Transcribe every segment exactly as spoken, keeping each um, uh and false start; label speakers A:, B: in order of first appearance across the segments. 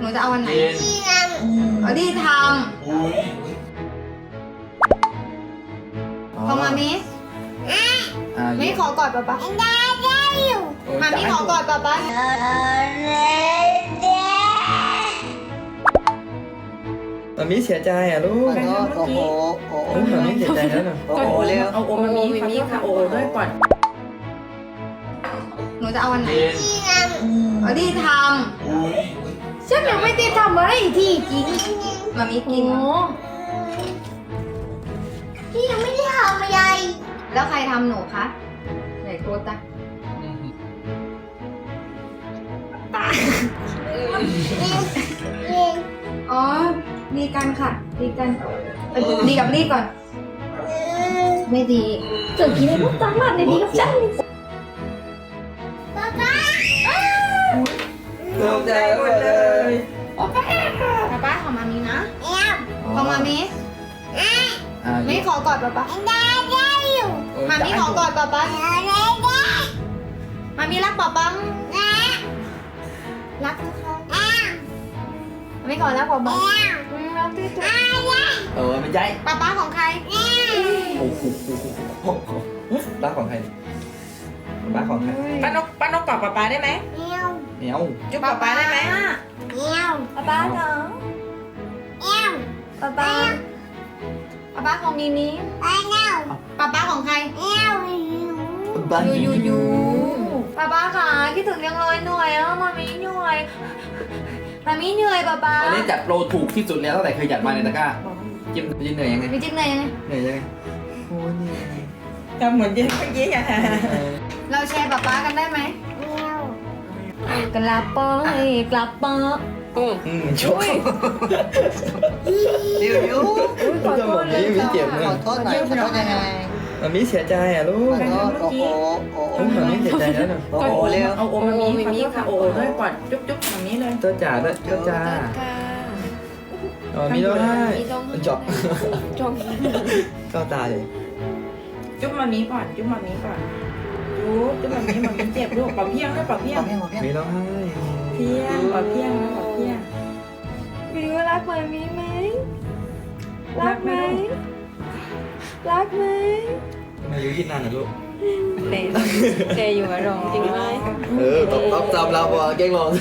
A: นูจะเอาวันไหน
B: กิน
A: เอาที่ท
B: อุ้ย
A: ำพอมามิ
C: อ่า
A: ไม่ขอกอดป๊าป๊ามามิขอกอดป๊าป๊า
C: มามิเสียใจอ่ะลูก
D: โอ้โหโอ้โห
C: โอ้มามิเสียใจแล้วนะ
D: โอ้โหเร็ว
E: เอาโอมามีค่ะมีค่ะโอด้วยก่อน
A: หนูจะเอาวันไหน
B: กิน
A: เอาที่ท
B: อุ้ย
A: ำฉันยังไม่ได้ทำอะไรที่จริงมามิกินพี่ยังไม่ได้ทำอะไรแล้วใครทำหนูคะไหนโกตะอ๋อดีกันค่ะดีกันเออดีกับรีก่อน ไม่ดีเจอกี่ในพวกจังหวัดในดีกับฉัน
C: ตกใจหมดเลย
A: ป๊าป๊าของมามีนะของมามี
C: อ่า
A: ไม่ขอกอดป๊าป๊ามามีขอกอดป๊าป๊ามามีรักป๊าป๊ารักนะคะไม่ขอรักป๊าป๊าอืมรักที่สุด
C: เออไม่ใช่
A: ป๊าป๊าของใคร
C: โอ้โหบ้าของใครบ้าของใคร
E: ป้านกป้านกกอดป๊าป๊าได้ไหม
C: เหนียว
E: จุ๊บป๊าป๊าได้ไหม
A: ป๊าป๊าเหรอป๊าป๊าป๊าป๊าของมีมีป๊าป๊าของใคร
C: บ้า
A: ยูยูยูป๊าป๊าค่ะคิดถึงยังเลยเหนื่อยอ่ะมามีเหนื่อยมามีเหนื่อยป๊าป๊า
C: วันนี้จัดโปรถูกที่สุดแล้วตั้งแต่เคยจัดมาในตะกร้าจิ้มจิ้มเหนื่อยยังไง
A: มีจิ๊บเหนื่อยยังไง
C: เหนื่อยยังไงโอ้ยเหนื่อย
E: ทำเหมือนเย็นเมื่อกี้อ่ะ
A: เราแชร์ป๊าป๊ากันได้ไหมกลับไปกลับมา
C: อืมชก
D: ดิวดิว
A: ขอโทษเลย
C: มีเจ็บ
D: ข
C: เล
D: อย โทษหน่อยขอโทษยังไง
C: มามิเสียใจอ่ะลูก
D: ขอโทษโอ้โหโอ้โห
C: โอ้มามิเสียใจแล้วนะ
D: โอ้โหเร็ว
E: เอาโอมามีค่ะโอด้วยก่อนจุ๊บจุ๊บแบบนี้เลย
C: เจ้าจ๋าด้วยเจ้าจ๋าอ๋อมีร้องไห้จบจบก็ตายเลย
E: จุ๊บมามีก่อนจุ๊บมามีก่อนจุ๊บจุ๊บมามีมามีเจ็บลูกปะเพียงด้วยปะเพีย
D: ของ เพี้ยงขอเพี้ยง
C: มีร้องไห้
E: เพียงปะเพียงปะเพียง
A: วิวรักมามีไหมรักไหมรักไหม
C: มาอยู่ที่นานนะลูก
A: เดเดอยู่กับรองจริงไหม
C: เออตบตบจำเราบ่เก่งลง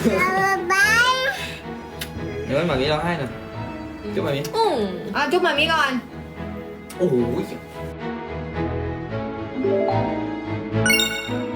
C: เดี๋ยวมันแบบนี้ร้องไห้หน่อยจุ๊บแบบนี้
A: อืมอ่ะจุ๊บมามีก่อน
C: โอ้โห